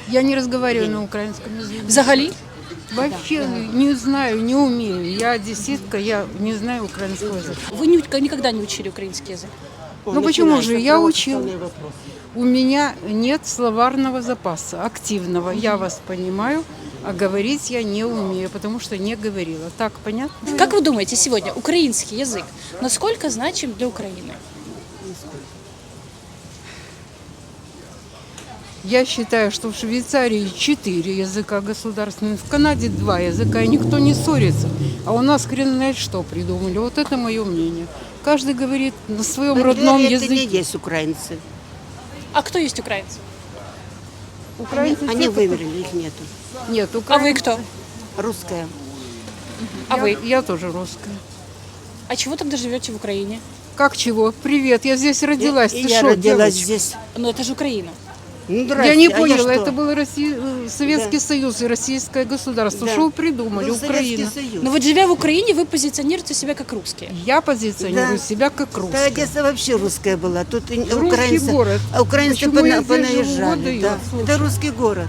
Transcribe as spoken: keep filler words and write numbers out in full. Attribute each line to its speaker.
Speaker 1: Я не разговариваю на украинском языке.
Speaker 2: Взагалі?
Speaker 1: Вообще не знаю, не умею. Я одесситка, я не знаю украинского языка.
Speaker 2: Вы ни- никогда не учили украинский язык?
Speaker 1: Ну почему же? Я учила. У меня нет словарного запаса активного. Я вас понимаю, а говорить я не умею, потому что не говорила. Так, понятно?
Speaker 2: Как вы думаете, сегодня украинский язык насколько значим для Украины?
Speaker 1: Я считаю, что в Швейцарии четыре языка государственных, в Канаде два языка, и никто не ссорится. А у нас хрен знает что придумали. Вот это мое мнение. Каждый говорит на своем
Speaker 3: В
Speaker 1: родном
Speaker 3: Бандере это не
Speaker 1: языке.
Speaker 3: есть украинцы.
Speaker 2: А кто есть украинцы?
Speaker 1: Украинцы
Speaker 3: Они
Speaker 1: те, кто-
Speaker 3: вывели, их нету.
Speaker 1: Нет,
Speaker 2: А
Speaker 1: украинцы.
Speaker 2: вы кто?
Speaker 3: Русская.
Speaker 2: А
Speaker 1: я,
Speaker 2: вы?
Speaker 1: Я тоже русская.
Speaker 2: А чего тогда живете в Украине?
Speaker 1: Как чего? Привет, я здесь родилась.
Speaker 3: И
Speaker 1: Ты
Speaker 3: я
Speaker 1: шо,
Speaker 3: родилась
Speaker 1: девочка?
Speaker 3: здесь.
Speaker 2: Ну это же Украина.
Speaker 3: Ну,
Speaker 1: Я
Speaker 3: здрасте,
Speaker 1: не
Speaker 3: а
Speaker 1: поняла,
Speaker 3: что?
Speaker 1: это был Россия, э, Советский
Speaker 3: Да.
Speaker 1: Союз и Российское государство.
Speaker 3: Да.
Speaker 1: Что вы придумали?
Speaker 3: Был Советский
Speaker 1: Украина.
Speaker 3: Союз.
Speaker 2: Но вот живя в Украине, вы позиционируете себя как русские.
Speaker 1: Я позиционирую
Speaker 3: Да.
Speaker 1: себя как
Speaker 3: Да,
Speaker 1: русская.
Speaker 3: Одесса вообще русская была. Тут и
Speaker 1: Русский
Speaker 3: украинцы,
Speaker 1: город.
Speaker 3: а украинцы
Speaker 1: Почему я
Speaker 3: пона-
Speaker 1: здесь живу?
Speaker 3: понаезжали.
Speaker 1: Вот и
Speaker 3: Да.
Speaker 1: я, слушай.
Speaker 3: Это русский город.